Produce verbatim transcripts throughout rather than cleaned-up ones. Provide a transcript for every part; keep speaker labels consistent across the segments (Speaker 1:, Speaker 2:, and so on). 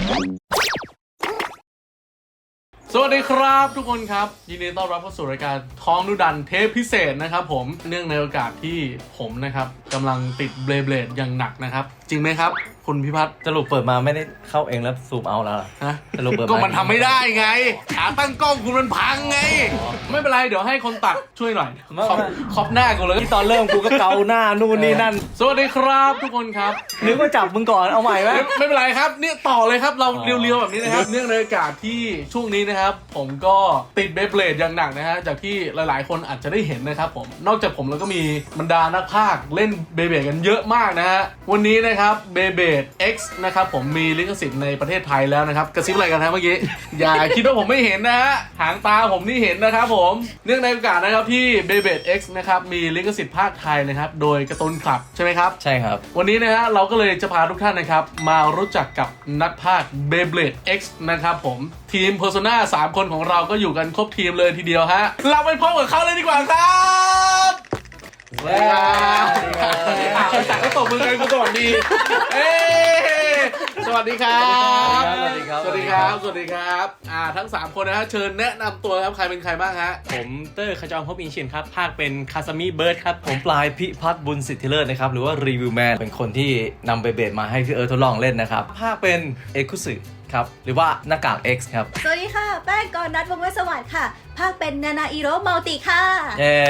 Speaker 1: สวัสดีครับทุกคนครับยินดีต้อนรับเข้าสู่รายการท้องดุดันเทปพิเศษนะครับผมเนื่องในโอกาสที่ผมนะครับกำลังติดเบลเบลดอย่างหนักนะครับจริงไหมครับคุณพิพัฒน์
Speaker 2: สรุปเปิดมาไม่ได้เข้าเองแล้วซูมเอาแล้ว
Speaker 1: ฮะ
Speaker 2: สรุปเปิด
Speaker 1: ก็มันทำไม่ได้ไงขาตั้งกล้องคุณมันพังไงไม่เป็นไรเดี๋ยวให้คนตัดช่วยหน่อยขอบขอบหน้ากูเลย
Speaker 2: ที่ตอนเริ่มกูก็เกาหน้านู่นนี่นั่น
Speaker 1: สวัสดีครับทุกคนครับ
Speaker 2: นึกว่าจับมึงก่อนเอาใหม่ไหม
Speaker 1: ไม่เป็นไรครับเนี่ยต่อเลยครับเราเรียวๆแบบนี้นะครับเนื่องในโอกาสที่ช่วงนี้นะครับผมก็ติดเบลเบลดอย่างหนักนะฮะจากที่หลายๆคนอาจจะได้เห็นนะครับผมนอกจากผมแล้วก็มีบรรดานักพากย์เล่นเบลเบลดกันเยอะมากนะฮะวันนี้นะครับเบลเบลด X นะครับผมมีลิขสิทธิ์ในประเทศไทยแล้วนะครับกระซิบอะไรกันฮะเมื่อกี้ อย่าคิดว่าผมไม่เห็นนะฮะหางตาผมนี่เห็นนะครับผมเนื่องในโอกาสนะครับที่เบลเบลด X นะครับมีลิขสิทธิ์ภาคไทยนะครับโดยการ์ตูนคลับใช่ไหมครับ
Speaker 2: ใช่ครับ
Speaker 1: วันนี้นะฮะเราก็เลยจะพาทุกท่านนะครับมารู้จักกับนักพากย์ Beyblade X นะครับผมทีม Persona สามคนของเราก็อยู่กันครบทีมเลยทีเดียวฮะเราไปพบกับเขาเลยดีกว่าครับสวัสดีครับสวัสดีครับแต่ก็ตบมือกันกูสวัสดีเอ้สวัสดีครับ
Speaker 2: สวัสดีครับ
Speaker 1: สวัสดีครับสวัสดีครับอ่าทั้งสามคนนะฮะเชิญแนะนำตัวครับใครเป็นใครบ้างฮะ
Speaker 3: ผมเตอร์ขจรภพอินชินครับภาคเป็นคาซามิเบิร์ดครับ
Speaker 2: ผมปลายพิพัฒน์บุญสิทธิเลิศนะครับหรือว่ารีวิวแมนเป็นคนที่นำเบเบดมาให้พี่เอิร์ธทดลองเล่นนะครับภาคเป็นเอคุสึครับหรือว่าหน้ากาก X ครับ
Speaker 4: สวัสดีค่ะแป้งกรนัทวงศ์เวชสวัสดิ์ค่ะภาคเป็นนานาอิโร่มัลติค่ะ
Speaker 2: เย้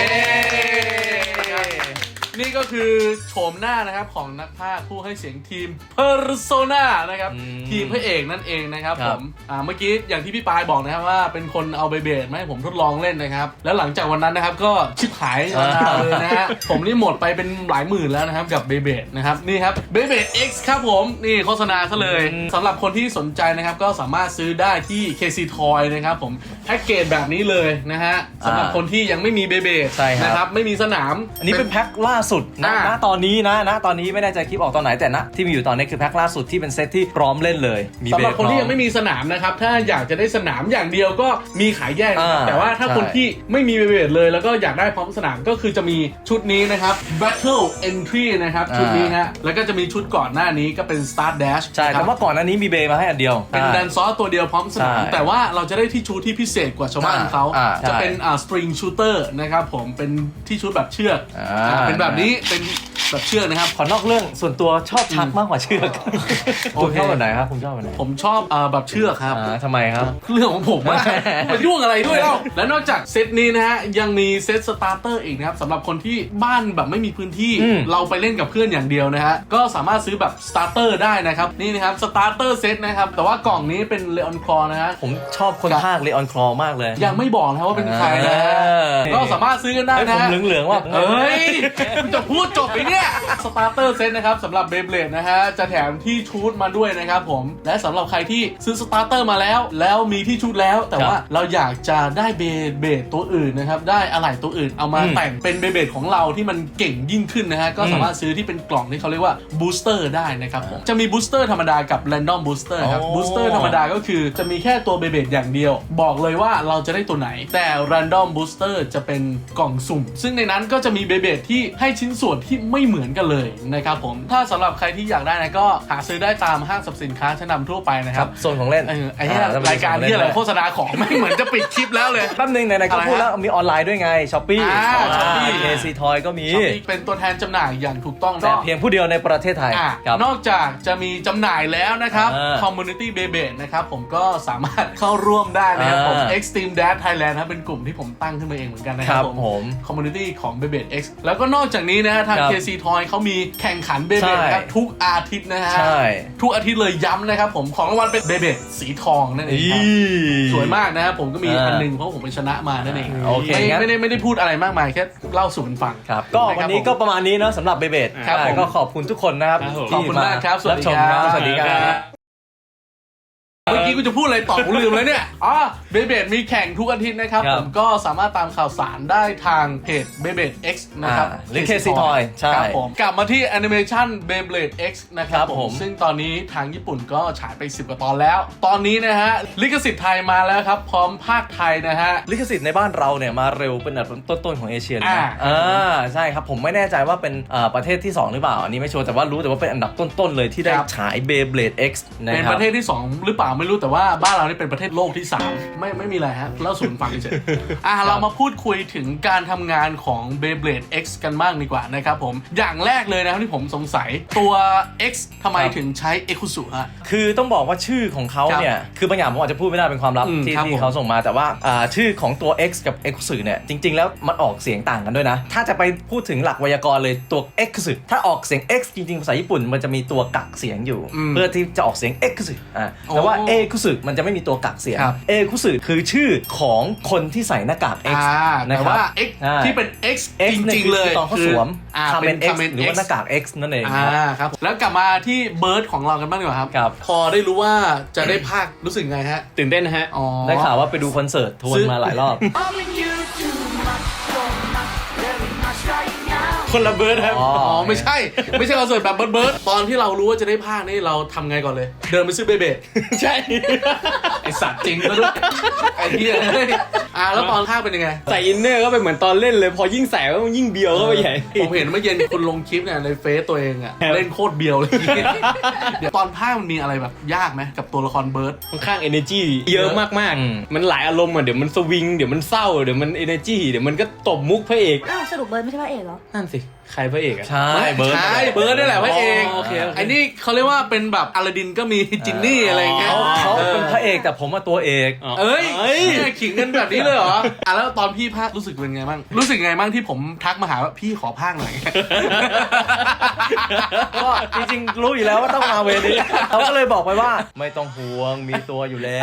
Speaker 1: นี่ก็คือโฉมหน้านะครับของนักพากย์ผู้ให้เสียงทีม Persona นะครับทีมพระเอกนั่นเองนะครับผมอ่าเมื่อกี้อย่างที่พี่ปายบอกนะครับว่าเป็นคนเอาเบเบดมาให้ผมทดลองเล่นนะครับแล้วหลังจากวันนั้นนะครับก็ชิบหายเลยนะฮะผมนี่หมดไปเป็นหลายหมื่นแล้วนะครับกับเบเบดนะครับนี่ครับเบเบด X ครับผมนี่โฆษณาซะเลยสำหรับคนที่สนใจนะครับก็สามารถซื้อได้ที่ เค ซี Toy นะครับผมแพ็กเกจแบบนี้เลยนะฮะสำหรับคนที่ยังไม่มีเบเบดนะครับไม่มีสนาม
Speaker 2: อันนี้เป็นแพ็คล่าสุดนะณตอนนี้นะณตอนนี้ไม่แน่ใจคลิปออกตอนไหนแต่ณที่มีอยู่ตอนนี้คือแพ็คล่าสุดที่เป็นเซตที่พร้อมเล่นเลย
Speaker 1: สำหรับคนที่ยังไม่มีสนามนะครับถ้าอยากจะได้สนามอย่างเดียวก็มีขายแยกแต่ว่าถ้าคนที่ไม่มีเบเบดเลยแล้วก็อยากได้พร้อมสนามก็คือจะมีชุดนี้นะครับ Battle Entry นะครับชุดนี้ฮะแล้วก็จะมีชุดก่อนหน้านี้ก็เป็น Start Dash
Speaker 2: ใช่แต่ว่าก่อนหน้านี้มีเบมาให้อันเดียว
Speaker 1: เป็นแดนซอสตัวเดียวพร้อมสนามแต่ว่าเราจะได้ที่ชุดที่พิเศษกว่าชาวบ้านเขาจะเป็นอ่า String Shooter นะครับผมเป็นที่ชุดแบบเชือกเป็นแบบนี้เป็นแบบเชือกนะครับ
Speaker 2: ขอนอกเรื่องส่วนตัวชอบชักมากกว่าเชือกคุณชอบแบบไหนครับคุณชอบแบบไหน
Speaker 1: ผมชอบอ่าแบบเชือกครับ
Speaker 2: ทำไมครับ
Speaker 1: เรื่องของผมมากมายุ่งอะไรด้วยเล่าและนอกจากเซตนี้นะฮะยังมีเซตสตาร์เตอร์อีกนะครับสำหรับคนที่บ้านแบบไม่มีพื้นที่เราไปเล่นกับเพื่อนอย่างเดียวนะฮะก็สามารถซื้อแบบสตาร์เตอร์ได้นะครับนี่นะครับสตาร์เตอร์เซตนะครับแต่ว่ากล่องนี้เป็นเลออนคลอนะฮะ
Speaker 2: ผมชอบคนภาคเลออนคลอมากเลย
Speaker 1: ยังไม่บอกนะว่าเป็นใครนะก็สามารถซื้อกันได้นะ
Speaker 2: ผมเหลืองๆว่า
Speaker 1: เฮ้ยคุณจะพูดจบไปเนี่ยสตาร์เตอร์เซตนะครับสำหรับเบเบดนะฮะจะแถมที่ชุดมาด้วยนะครับผมและสำหรับใครที่ซื้อสตาร์เตอร์มาแล้วแล้วมีที่ชุดแล้วแต่ว่าเราอยากจะได้เบเบดตัวอื่นนะครับได้อะไหล่ตัวอื่นเอามาแต่งเป็นเบเบดของเราที่มันเก่งยิ่งขึ้นนะฮะก็สามารถซื้อที่เป็นกล่องที่เขาเรียกว่าบูสเตอร์ได้นะครับผมจะมีบูสเตอร์ธรรมดากับแรนดอมบูสเตอร์ครับบูสเตอร์ธรรมดาก็คือจะมีแค่ตัวเบเบดอย่างเดียวบอกเลยว่าเราจะได้ตัวไหนแต่แรนดอมบูสเตอร์จะเป็นกล่องสุ่มซึ่งในนั้นก็จะมีเบเบดที่ให้ชิ้นส่วนที่ไม่เหมือนกันเลยนะครับผมถ้าสำหรับใครที่อยากได้นะก็หาซื้อได้ตามห้างสรรพสินค้าชั้นนำทั่วไปนะครับ
Speaker 2: ส่วนของเล่น
Speaker 1: ไอ้เนี่ยรายการที่อะไรโฆษณาของไม่เหมือนจะปิดคลิปแล้วเลย
Speaker 2: แป๊บนึงไหนๆก็พูดแล้วมีออนไลน์ด้วยไง Shopee
Speaker 1: ช้อปปี้
Speaker 2: เค ซี Toy ก็มี
Speaker 1: เป็นตัวแทนจำหน่ายอย่างถูกต้อง
Speaker 2: แต่เพียงผู้เดียวในประเทศไทย
Speaker 1: นอกจากจะมีจำหน่ายแล้วนะครับ Community Beyblade นะครับผมก็สามารถเข้าร่วมได้นะครับผม Extreme Dash Thailand นะเป็นกลุ่มที่ผมตั้งขึ้นมาเองเหมือนกันนะครับผม Community ของ Beyblade X แล้วก็นอกจากนี้นะฮะทาง เค ซี Toy เขามีแข่งขัน Beyblade ครับทุกอาทิตย์นะฮะทุกอาทิตย์เลยย้ำนะครับผมของรางวัลเป็น Beyblade สีทองนั่นเองครับสวยมากนะครับผมก็มีอันนึงเพราะผมไปชนะมานั่นเองไม่ได้ไม่ได้พูดอะไรมากมายแค่เล่าสู่กันฟัง
Speaker 2: ก็วันนี้ก็ประมาณนี้เนาะสำหรับเบเบดก็ขอบคุณทุกคนนะครับ
Speaker 1: ขอบคุณมากครับสวัสดีครับ
Speaker 2: สวัสดีครับ
Speaker 1: เมื่อกี้กูจะพูดอะไรต่อกูลืมเลยเนี่ยอ๋อเบเบดมีแข่งทุกอาทิตย์นะครับ
Speaker 2: ครับ
Speaker 1: ผมก็สามารถตามข่าวสารได้ทางเพจ Beyblade X นะครับ
Speaker 2: อ่าหรือ Crazy Toy ใช่
Speaker 1: ครับผมกลับมาที่แอนิเมชัน Beyblade X นะครับ
Speaker 2: ครับ
Speaker 1: ผ
Speaker 2: ผม ม
Speaker 1: ซึ่งตอนนี้ทางญี่ปุ่นก็ฉายไปสิบกว่าตอนแล้ว ตอนนี้นะฮะลิขสิทธิ์ไทยมาแล้วครับ พร้อมภาคไทยนะฮะ
Speaker 2: ลิขสิทธิ์ในบ้านเราเนี่ยมาเร็วเป็นอันดับต้นๆของเอเชียนะ
Speaker 1: อ่า
Speaker 2: อ่าใช่ครับผมไม่แน่ใจว่าเป็นอ่าประเทศที่สองหรือเปล่าอันนี้ไม่ชัวร์แต่ว่ารู้แต่ว่าเป็นอันดับต้นๆเลยที่ได้
Speaker 1: ครับ
Speaker 2: ฉาย Beyblade X นะ
Speaker 1: เป็น
Speaker 2: ครั
Speaker 1: ป
Speaker 2: บ
Speaker 1: ระเทศที่สองหรือเปล่าไม่รู้แต่ว่าบ้านเรานี่เป็นประเทศโลกที่สามไม่ไม่มีอะไรฮะเล่าสู่ฟังเฉยๆอ่ะเรามาพูดคุยถึงการทำงานของ Beyblade X กันบ้างดีกว่านะครับผมอย่างแรกเลยนะครับที่ผมสงสัยตัว X ทำไม
Speaker 2: ครับ
Speaker 1: ถึงใช้ Ekusu ฮะ
Speaker 2: คือต้องบอกว่าชื่อของเขา
Speaker 1: ครับ
Speaker 2: เนี่ยคือบางอย่างผมอาจจะพูดไม่ได้เป็นความลับ
Speaker 1: อืม
Speaker 2: ที่
Speaker 1: ครับ
Speaker 2: ที่
Speaker 1: ผม
Speaker 2: เขาส่งมาแต่ว่าอ่าชื่อของตัว X กับ X เนี่ยจริง ๆ แล้วมันออกเสียงต่างกันด้วยนะ ถ้าจะไปพูดถึงหลักไวยากรณ์เลยตัว X ถ้าออกเสียง X จริง ๆ ภาษาญี่ปุ่นมันจะมีตัวกักเสียงอยู่
Speaker 1: อืม
Speaker 2: เพื่อที่จะออกเสียง X อ่าแต่ว่า
Speaker 1: โอ้
Speaker 2: A คุสึมันจะไม่มีตัวกักเสียง
Speaker 1: ครับ
Speaker 2: A คุสึคือชื่อของคนที่ใส่หน้ากาก X
Speaker 1: อ่า
Speaker 2: นะ
Speaker 1: แต่
Speaker 2: ครับ
Speaker 1: ว่า X
Speaker 2: อ่า
Speaker 1: ที่เป็น X
Speaker 2: X
Speaker 1: จ
Speaker 2: นี่
Speaker 1: ริง
Speaker 2: คือ
Speaker 1: ๆ เลย
Speaker 2: ตอนเขาสวม
Speaker 1: อ่า
Speaker 2: คาเม
Speaker 1: เป็น
Speaker 2: น X
Speaker 1: Kamen
Speaker 2: หรือว่า
Speaker 1: X
Speaker 2: หน้ากาก X นั่นเอง
Speaker 1: อ่าครับแล้วกลับมาที่เบิร์ดของเรากันบ้างดีกว่าครับ
Speaker 2: ครับ
Speaker 1: พอได้รู้ว่าจะได้ภาครู้สึกไงฮะ
Speaker 3: ตื่นเต้นนะฮะ
Speaker 1: อ๋อ
Speaker 2: ได้ข่าวว่าไปดูคอนเสิร์ตทวนมาหลายรอบ
Speaker 3: คนละเบิร์ดครับ
Speaker 2: อ๋อ
Speaker 1: อ๋อไม่ใช่ ไม่ใช่คอนเสิร์ตแบบเบิร์ดเบิร์ดตอนที่เรารู้ว่าจะได้ภาคนี่เราทำไงก่อนเลย เดินไปซื้อเบเบด
Speaker 3: ใช่
Speaker 1: ไอสัตว์จริงซะด้วยไอ้เหี้ยเฮ้ยอ่าแล้วตอนภาคเป็นยังไง
Speaker 3: ใส่อินเนอร์ก็ไปเหมือนตอนเล่นเลย พอยิ่งใส่ก็ยิ่งเบียวเข้าไปใหญ่
Speaker 1: ผมเห็นเมื่อเย็นคุณลงคลิปเนี่ยในเฟซตัวเองอะ
Speaker 3: ครับ
Speaker 1: เล่นโคตรเบียวเลย เดี๋ยวตอนภาคมันมีอะไรแบบยากไหมกับตัวละครเบิร์ด
Speaker 3: ค่อนข้าง energy เยอะมาก
Speaker 2: อืม
Speaker 3: ๆ มันหลายอารมณ์อ่ะ เดี๋ยวมันสวิง เดี๋ยวมันเศร้า เดี๋ยวมัน energy เดี๋ยวมันก็ตบมุกพระเอก
Speaker 4: อ้าวสรุปเบิร์ดไม่ใช่พระเอกเหรอ
Speaker 3: นั่นสิ ใครพระเอกอะ
Speaker 2: ใช่เบิร์ด
Speaker 1: ใช่เบิร์ดนี่แหละพระเอก
Speaker 3: อ๋อโอเคโอเค
Speaker 1: ไอ้นี่เขาเรียกว่าเป็นแบบอลาดินก็มีจินนี่อะไรอย่างเงี้ย
Speaker 2: เขาเขา
Speaker 1: ออ
Speaker 2: เป็นพระเอกแต่ผมว่าตัวเอก
Speaker 3: อ๋อ
Speaker 1: เอ้ย
Speaker 3: เอ้ย
Speaker 1: เนี่ยขิงกันแบบนี้เลยเหรอ อ่ะแล้วตอนพี่ภาครู้สึกเป็นไงบ้าง รู้สึกไงบ้างที่ผมทักมาหาว่าพี่ขอภาคหน่อย
Speaker 2: ก็จริงๆรู้อยู่แล้วว่าต้องมาเวรนี้เขาก็เลยบอกไปว่าไม่ต้องห่วงมีตัวอยู่แล้ว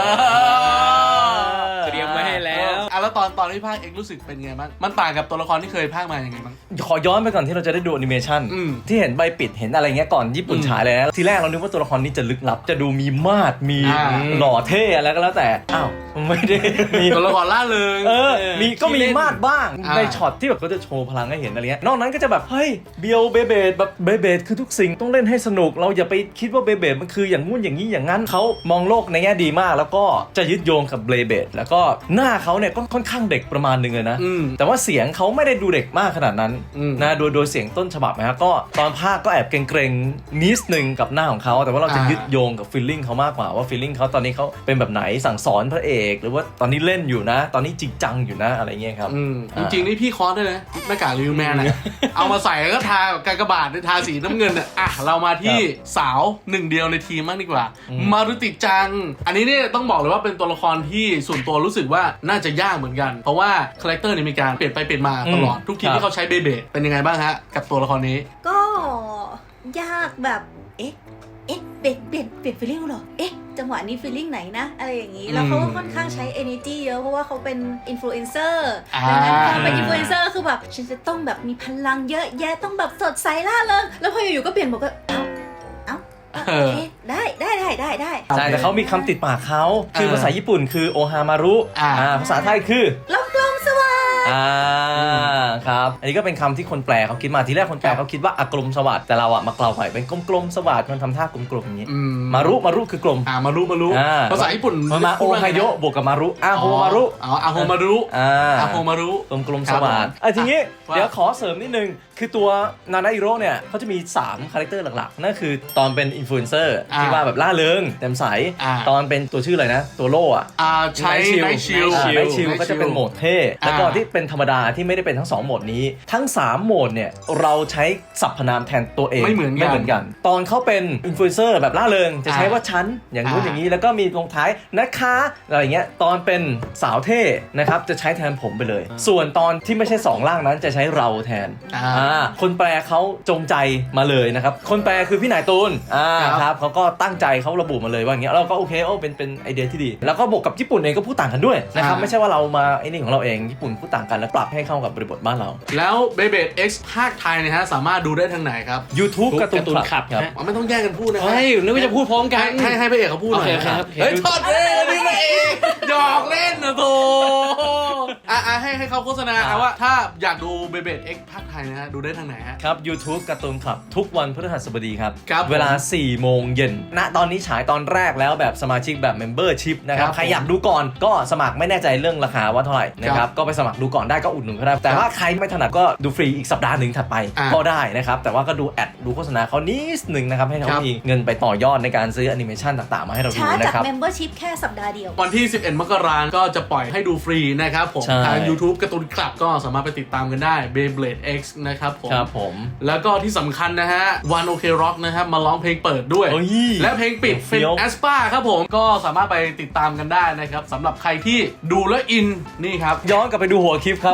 Speaker 3: เตรียมไว้ให้แล้ว
Speaker 1: อ่ะแล้วตอนตอนที่ภาคเอกรู้สึกเป็นไงบ้าง มันต่างกับตัวละครที่เคยภาคมาอย่างไงบ้าง
Speaker 2: ขอย้อนไปก่อนที่เราจะได้ดูแอนิเมชัน
Speaker 1: อืม
Speaker 2: ที่เห็นใบปิดเห็นอะไรเงี้ยก่อนญี่ปุ่น
Speaker 1: อืม
Speaker 2: ฉายเลยนะทีแรกเรานึกว่าตัวละครนี้จะลึกลับ จะดูมีมาดมี
Speaker 1: อ่า
Speaker 2: หล่อเท่อะไรก็แล้วแต่อ้าวไม่ได้มี
Speaker 1: ตัวละครล่าเริง
Speaker 2: เออ มีก็มี
Speaker 1: ที่เล่น
Speaker 2: มาดบ้าง
Speaker 1: อ่า
Speaker 2: ในช็อตที่แบบก็จะโชว์พลังให้เห็นอะไรเงี้ยนอกนั้นก็จะแบบ เฮ้ยเบียวเบเบดแบบเบเบดคือทุกสิ่งต้องเล่นให้สนุก เราอย่าไปคิดว่าเบเบดมันคืออย่างงู้นอย่างนี้อย่างนั้นเขามองโลกในแง่ดีมาก แล้วก็จะยึดโยงกับเบเบดแล้วก็หน้าเขาเนี่ยก็ค่อนข้างเด็กประมาณหนึงเลยนะ
Speaker 1: อืม
Speaker 2: แต่ว่าเสียงเขาไม่ได้ดูเด็กมากขนาดนั้น
Speaker 1: อืม
Speaker 2: นะโดยโดยเสียงต้นฉบับนะฮะก็ตอนภาคก็แอบเกรงๆนิดนึงกับหน้าของเขาแต่ว่าเราจะ
Speaker 1: อ่ายึ
Speaker 2: ยึดโยงกับฟีลลิ่งเขามากกว่าว่าฟีลลิ่งเขาตอนนี้เขาเป็นแบบไหนสั่งสอนพระเอก หรือว่าตอนนี้เล่นอยู่นะ ตอนนี้จริงจังอยู่นะอะไรเงี้ยครับ
Speaker 1: อืมจ
Speaker 2: อ่า
Speaker 1: ริงๆนี่พี่คอสด้วยนะหน้ากากรีวิวแมนอะ เอามาใส่แล้วก็ทากับกากบาททาสีน้ำเงินอะอ่ะเรามาที่สาวหนึ่งเดียวในทีมมากดีกว่า
Speaker 2: อืม
Speaker 1: มารุติจัง อันนี้เนี่ยต้องบอกเลยว่าเป็นตัวละครที่ส่วนตัวรู้สึกว่าน่าจะยากเหมือนกัน เพราะว่าคาแรคเตอร์เนี่ยมีการเปลี่ยนไปเปลี่ยนมาตลอดทุกทีที่เขาใช้เบเบดเป็นยังไงบ้างฮะกับตัวละครนี้
Speaker 4: ก็ยากแบบ เอ๊ะ เอ๊ะ เปลี่ยนเปลี่ยนเปลี่ยนฟีลลิ่งเหรอ เอ๊ะ จังหวะนี้ฟีลลิ่งไหนนะ อะไรอย่างนี้ แล้วเขาก็ค่อนข้างใช้ energy เยอะ เพราะว่าเขาเป็นอินฟลูเอนเซอร์
Speaker 1: อ่า
Speaker 4: ดังนั้นพอเป็นอินฟลูเอนเซอร์คือแบบ ฉันจะต้องแบบมีพลังเยอะแยะ ต้องแบบสดใสล่าเริงแล้วพออยู่ๆก็เปลี่ยนบอกก็ เอ้า เอ้าโอเค ได้ได้ได้ได้ได้
Speaker 2: ใช่แต่เขามีคำติดปากเขาคือ
Speaker 1: เออ
Speaker 2: ภาษาญี่ปุ่นคือโอฮามารุ
Speaker 1: อ่า
Speaker 2: อ่าภาษาไทยคือ
Speaker 4: ลมกลมสว่าง
Speaker 2: อ่าครับอันนี้ก็เป็นคำที่คนแปลเขาคิดมาทีแรกคนแปลเขาคิดว่าอากลมสวัสดแต่เราอะมากล่าวใหม่เป็นกลมๆสวัสดมันทำท่ากลมๆอย่างนี้
Speaker 1: อืม
Speaker 2: มารุมารุคือกลม
Speaker 1: อ่ามารุมารุ
Speaker 2: อ่า
Speaker 1: ภาษาญี่ปุ่น
Speaker 2: มันมาโอไฮโยบวกกับมารุอาโฮมารุ
Speaker 1: อ๋ออาโฮมารุ
Speaker 2: อ่า
Speaker 1: อาโฮมารุ
Speaker 2: กลมกลม
Speaker 1: ค
Speaker 2: ส
Speaker 1: รับ
Speaker 2: วัสด
Speaker 1: ผม
Speaker 2: อ่ะทีนี้
Speaker 1: ว่า
Speaker 2: เดี๋ยวขอเสริมนิดนึง คือตัวนานาอิโร่เนี่ยเขาจะมีสามคาแรคเตอร์หลักๆ นั่นคือตอนเป็นอินฟลูเอนเซอร์
Speaker 1: อ่า
Speaker 2: ที่ว่าแบบล่าเริงแจ่มใส
Speaker 1: อ่า
Speaker 2: ตอนเป็นตัวชื่ออะไรนะ ตัวโล่อะ
Speaker 1: อ่าใช้ไนชิล
Speaker 2: อ่าไนท์ชิลก็จะเป็นโหมดเท่แล้วก็
Speaker 1: อ่า
Speaker 2: ที่เป็นธรรมดาที่ไม่ได้เป็นทั้งสองโหมดนี้ ทั้งสามโหมดเนี่ยเราใช้สรรพนามแทนตัวเอง
Speaker 1: ไม่เหมือนกัน
Speaker 2: ไม่เหมือนกัน ตอนเขาเป็นอินฟลูเอนเซอร์แบบล่าเริงจะใช้
Speaker 1: อ่า
Speaker 2: ว่าฉันอย่างนู้น
Speaker 1: อ่า
Speaker 2: อย่างนี้แล้วก็มีลงท้ายนะคะอะไรอย่างเงี้ยตอนเป็นสาวเท่นะครับจะใช้แทนผมไปเลย ส่วนตอนที่ไม่ใช่สองร่างนั้นจะใช้เราแทน
Speaker 1: อ่า
Speaker 2: อ่าคนแปลเขาจงใจมาเลยนะครับ คนแปลคือพี่นายตูนอ่า
Speaker 1: ครับ
Speaker 2: ครับเขาก็ตั้งใจเขาระบุมาเลยว่าอย่างเงี้ยเราก็โอเคโอ้เป็นเป็นไอเดียที่ดี แล้วก็บวกกับญี่ปุ่นเองก็พูดต่างกันด้วยนะครับ
Speaker 1: อ่า
Speaker 2: ไม่ใช่ว่าเรามาไอ้นี่ของเราเองญี่ปุ่นพูดต่างกันแล้วปรับให้เข้ากับบริบทบ้านานเรา
Speaker 1: แล้ว Beyblade X ภาคไทยนะฮะสามารถดูได้ทางไหนครับ
Speaker 2: YouTube การ์ตูน
Speaker 3: การ์ตูน
Speaker 2: ค
Speaker 3: คลั
Speaker 2: ลับบ ครับ
Speaker 3: ฮะ
Speaker 1: อ๋อไม่ต้องแยกกันพูดนะครั
Speaker 3: เฮ้ยนึกว่าจะพูดพร้อมกัน
Speaker 1: ให้ให้ให้พระเอกเขาพูดหน่อย
Speaker 3: โอเคครับ
Speaker 1: เฮ้ยทอดเลยนี่พระเอกหยอกเล่นนะโธ่อ่ะอ่ะให้ให้เขาโฆษณาเอาว่าถ้าอยากดู Beyblade X ภาคไทยนะฮะดูได้ทางไหนฮะ
Speaker 2: ครับ YouTube การ์ตูนคลับทุกวันพฤหัสบดีครับ
Speaker 1: ครับ
Speaker 2: เวลา สี่โมงเย็นณตอนนี้ฉายตอนแรกแล้วแบบสมาชิกแบบ Membership นะครับ
Speaker 1: ครับ
Speaker 2: ใครอยากดูก่อนก็สมัครไม่แน่ใจเรื่องราคาว่าเท่าไหร่นะค
Speaker 1: ครั
Speaker 2: รับบ ก็ไปสมัครดูก่อนได้ก็อุดหนุนก็ได้แต่ว่าใครไม่ถนัดก็ดูฟรีอีกสัปดาห์หนึ่งถัดไป
Speaker 1: อ่า
Speaker 2: ก็ได้นะครับแต่ว่าก็ดูแอดดูโฆษณาเขานิดหนึ่งนะครับให้เขา
Speaker 1: ครับ
Speaker 2: มีเงินไปต่อยอดในการซื้อแอนิเมชันต่างๆมาให้เราดู
Speaker 4: ช้าจาก
Speaker 2: นะครับ
Speaker 4: membership แค่สัปดาห์เดียว
Speaker 1: วันที่ สิบเอ็ด มกราคมก็จะปล่อยให้ดูฟรีนะครับผม
Speaker 2: ใช่
Speaker 1: ทาง YouTube การ์ตูนคลับก็สามารถไปติดตามกันได้ Beyblade X นะครับผม
Speaker 2: ครับผม
Speaker 1: แล้วก็ที่สำคัญนะฮะ One OK Rock นะครับมาร้องเพลงเปิดด้วย
Speaker 2: เอ้ย
Speaker 1: และเพลงปิด
Speaker 2: เฟี้
Speaker 1: เป็น
Speaker 2: ยว
Speaker 1: แอสปาครับผมก็สามารถไปติดตามกันได้นะครับสำหรับใครที่ดูแล้วอินนี่ครับ
Speaker 2: ย้อนกลับไปดูหัวคลิปครับ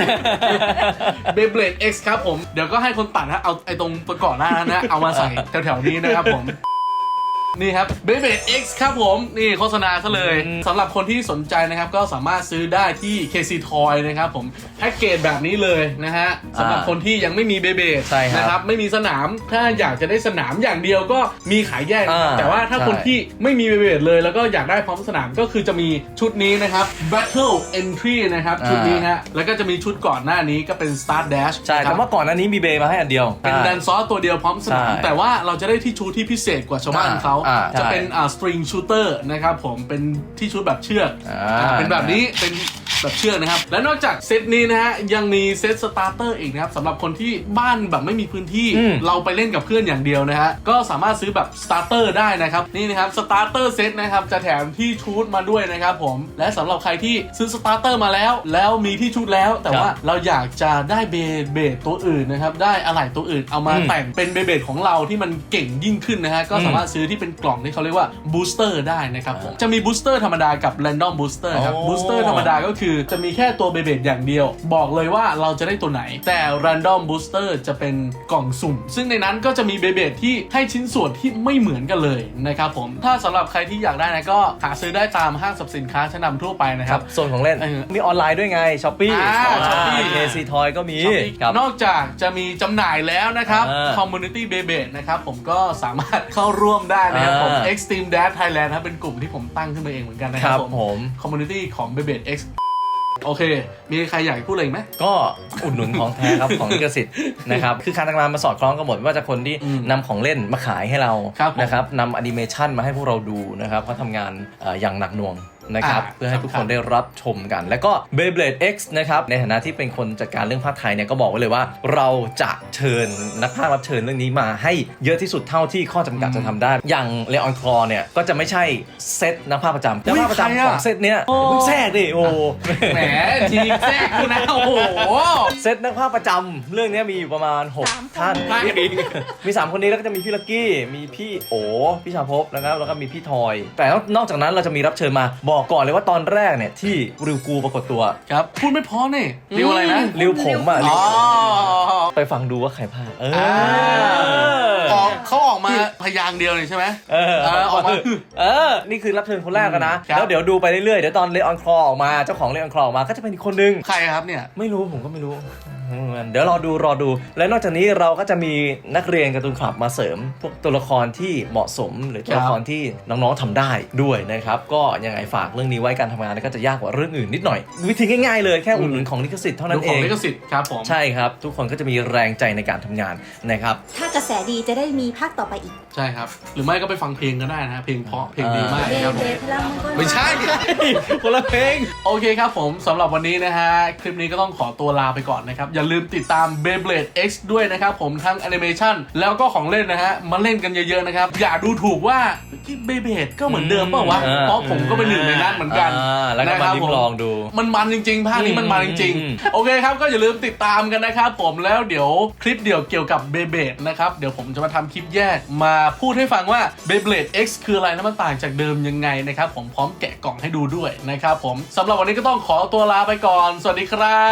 Speaker 1: Beyblade X ครับผมเดี๋ยวก็ให้คนตัดฮะเอาไอ้ตรงตัวก่อนหน้านั้นนะเอามาใส่แถวๆนี้นะครับผม นี่ครับ Beyblade X ครับผมนี่โฆษณาซะเลยสำหรับคนที่สนใจนะครับก็สามารถซื้อได้ที่ เค ซี Toy นะครับผมแพ็กเกจแบบนี้เลยนะฮะสำหรับคนที่ยังไม่มี Beyblade
Speaker 2: ใช่ครับ
Speaker 1: นะครับไม่มีสนามถ้าอยากจะได้สนามอย่างเดียวก็มีขายแยกนะครับ
Speaker 2: อ่า
Speaker 1: แต่ว่าถ้า
Speaker 2: ใช่
Speaker 1: คนที่ไม่มี Beyblade เลยแล้วก็อยากได้พร้อมสนามก็คือจะมีชุดนี้นะครับ Battle Entry นะครับชุดนี้ฮะแล้วก็จะมีชุดก่อนหน้านี้ก็เป็น Start Dash
Speaker 2: ใช่
Speaker 1: นะค
Speaker 2: แต่
Speaker 1: รับ
Speaker 2: ว่าก่อนหน้านี้มีเบย์มาให้อันเดียว
Speaker 1: เป็นแดนซอสตัวเดียวพร้อมสนาม
Speaker 2: ใช่
Speaker 1: แต่ว่าเราจะได้ที่ชุดที่พิเศษกว่าชาวบ้านเขา
Speaker 2: อ่า
Speaker 1: จะ
Speaker 2: ใช่
Speaker 1: เป็นอ่าสตริงชูเตอร์นะครับผมเป็นที่ชุดแบบเชือก
Speaker 2: อ่า
Speaker 1: อ่าเป็นแบบนี้เป็นแบบเชือกนะครับ และนอกจากเซตนี้นะฮะยังมีเซตสตาร์เตอร์อีกนะครับสำหรับคนที่บ้านแบบไม่มีพื้นที่
Speaker 2: อืม
Speaker 1: เราไปเล่นกับเพื่อนอย่างเดียวนะฮะก็สามารถซื้อแบบสตาร์เตอร์ได้นะครับนี่นะครับสตาร์เตอร์เซตนะครับจะแถมที่ชุดมาด้วยนะครับผมและสำหรับใครที่ซื้อสตาร์เตอร์มาแล้ว แล้วมีที่ชุดแล้ว แต่ว่าเราอยากจะได้เบสเบสตัวอื่นนะครับได้อะไหล่ตัวอื่นเอามา
Speaker 2: อืม
Speaker 1: แต่งเป็นเบเบดของเราที่มันเก่งยิ่งขึ้นนะฮะก็สามารถซื้อที่เป็นกล่องที่เขาเรียกว่าบูสเตอร์ได้นะครับผมจะมีบูสเตอร์ธรรมดากับแรนดอมบูสเตอร์ครับ
Speaker 2: โอ้
Speaker 1: บูสเตอร์ธรรมดาก็คือจะมีแค่ตัวเบเบดอย่างเดียว บอกเลยว่าเราจะได้ตัวไหนแต่ Random Booster จะเป็นกล่องสุ่ม ซึ่งในนั้นก็จะมีเบเบดที่ให้ชิ้นส่วนที่ไม่เหมือนกันเลยนะครับผมถ้าสำหรับใครที่อยากได้นะก็หาซื้อได้ตามห้างสรรพสินค้าชั้นนำทั่วไปนะ
Speaker 2: ค
Speaker 1: ค
Speaker 2: รั
Speaker 1: รั
Speaker 2: บบ ส่วนของเล่น
Speaker 1: เออ
Speaker 2: มีออนไลน์ด้วยไงช้อปปี้
Speaker 1: อ่า Shopee
Speaker 2: เคซีทอยก็มีครับ
Speaker 1: นอกจากจะมีจำหน่ายแล้วนะครับ
Speaker 2: อ่า
Speaker 1: Community Beyblade นะครับผมก็สามารถเข้าร่วมได้นะครับผม
Speaker 2: อ่า
Speaker 1: Extreme Dash Thailand ครับเป็นกลุ่มที่ผมตั้งขึ้นมาเองเหมือนกันนะค
Speaker 2: ค
Speaker 1: รั
Speaker 2: รั
Speaker 1: บบ ผม
Speaker 2: ผม
Speaker 1: Community ของ Beyblade X โอเค มีใครอยากพูดอะไรอีกไหม
Speaker 2: ก็อุดหนุนของแท้ครับ ของลิขสิทธิ์นะครับคือการทำงานมาสอดคล้องกันหมดไม่ว่าจะคนที่
Speaker 1: อืม
Speaker 2: นำของเล่นมาขายให้เรา
Speaker 1: ครับผม
Speaker 2: นะครับนำแอนิเมชันมาให้พวกเราดูนะครับเขาทำงานเอ่ออย่างหนักหน่วงนะครับ
Speaker 1: อ่า
Speaker 2: เพื่อให้ทุก
Speaker 1: ครั
Speaker 2: ค
Speaker 1: บ
Speaker 2: นได้รับชมกัน แล้วก็ Beyblade X นะครับในฐานะที่เป็นคนจัดการเรื่องภาคไทยเนี่ยก็บอกไว้เลยว่า เราจะเชิญนักพากย์รับเชิญเรื่องนี้มาให้เยอะที่สุดเท่าที่ข้อจำกัดจะทำได้ อย่างเลออนคลอเนี่ยก็จะไม่ใใช่เซตนักพากย์ประจำนักพากย์ประจำของเซตเนี้ย
Speaker 1: โอ้
Speaker 2: เพิ่งแทรกดิโอ้
Speaker 1: แหมทีแทรกกูนะโอ้โห
Speaker 2: เซตนักภาคประจำเรื่องนี้มีอยู่ประมาณหก
Speaker 4: สามคน
Speaker 2: ท่าน
Speaker 1: ใช่
Speaker 2: มีสามคนนี้แล้วก็จะมีพี่ลักกี้มีพี่โอพี่ชาภพนะครับแล้วก็มีพี่ทอย แต่นอกจากนั้นเราจะมีรับเชิญมาบอกก่อนเลยว่าตอนแรกเนี่ยที่ริวกูปรากฏตัว
Speaker 1: ครับ พูดไม่พอเนี่ยเรียกว่าอะไรนะ
Speaker 2: ริวผมอ่ะริ
Speaker 1: อ๋
Speaker 2: ว
Speaker 1: อ
Speaker 2: ไปฟังดูว่าใครพากย์เออ
Speaker 1: อ่า
Speaker 2: อ
Speaker 1: ออกเขาออกมาพยางค์เดียวเลยใช่ไหม
Speaker 2: เออ
Speaker 1: เออออกมา
Speaker 2: เออ นี่คือรับเชิญคนแรกกันนะ
Speaker 1: ครับ
Speaker 2: แล้วเดี๋ยวดูไปเรื่อยๆ เดี๋ยวตอนเลออนคลอออกมาเจ้าของเลออนคลอออกมาก็จะเป็นอีกคนนึง
Speaker 1: ใครครับเนี่ย
Speaker 2: ไม่รู้ผมก็ไม่รู้อืมเดี๋ยวรอดูรอดู และนอกจากนี้เราก็จะมีนักเรียนการ์ตูนคลับมาเสริม พวกตัวละครที่เหมาะสมหรือตัวละครที่น้องๆทำได้ด้วยนะครับ ก็ยังไงฝากเรื่องนี้ไว้การทำงานก็จะยากกว่าเรื่องอื่นนิดหน่อย วิธีง่ายๆเลยแค่อุดหนุนของลิขสิทธิ์เท่านั้น
Speaker 1: ดู
Speaker 2: เอ
Speaker 1: ของ
Speaker 2: ง
Speaker 1: ลิขสิทธิ์ครับผม
Speaker 2: ใช่ครับ ทุกคนก็จะมีแรงใจในการทำงานนะครับ
Speaker 4: ถ้ากระแสดีจะได้มีภาคต่อไปอีก
Speaker 1: ใช่ครับ หรือไม่ก็ไปฟังเพลงก็ได้นะฮะเพลงเพราะเพลงดีมาก
Speaker 4: เบ
Speaker 1: ครับผ
Speaker 4: เบ
Speaker 1: ม
Speaker 4: พลังมังกร
Speaker 1: ไม่ใช่
Speaker 2: คนละเพลง
Speaker 1: โอเคครับผมสำหรับวันนี้นะฮะ คลิปนี้ก็ต้องขอตัวลาไปก่อนนะครับ อย่าลืมติดตาม Beyblade X ด้วยนะครับผมทั้งแอนิเมชันแล้วก็ของเล่นนะฮะ มาเล่นกันเยอะๆนะครับ อย่าดูถูกว่าเบเบดก็เหมือนเดิมเปล่าวะ
Speaker 2: อืม
Speaker 1: เพราะผมก็เป็นหนึ่งในนั้นเหมือนกัน
Speaker 2: อ่าแล้วก็มา
Speaker 1: นะครับ
Speaker 2: ลิ้
Speaker 1: ผม ม
Speaker 2: ลองดู
Speaker 1: มันมันจริงๆ ภาคนี้มันมันจริง
Speaker 2: อืม
Speaker 1: ๆ โอเคครับ ก็อย่าลืมติดตามกันนะครับผมแล้วเดี๋ยวคลิปเดี่ยวเกี่ยวกับ Beyblade นะครับ เดี๋ยวผมจะมาทำคลิปแยกมาพูดให้ฟังว่า Beyblade X คืออะไรและมันต่างจากเดิมยังไงนะครับผมพร้อมแกะกล่องให้ดูด้วยนะครับผมสำหรับวันนี้ก็ต้องขอตัวลาไปก่อน สวัสดีครับ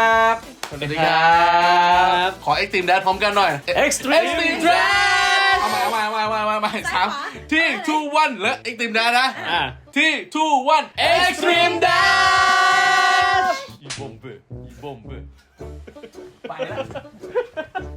Speaker 2: สวัสดีครับ
Speaker 1: ขอ Extreme Dash พร้อมกันหน่อย
Speaker 2: Extreme
Speaker 1: Extreme Dash เอาใหม่เอาใหม่เอาใหม่เอาใหม่เอาใหม่สามที่ two one และ Extreme Dash นะ
Speaker 3: อ่า
Speaker 1: ที่ two one Extreme Dash
Speaker 2: อีบอมเบอร์อีบอมเบอร์
Speaker 1: ไปแล้ว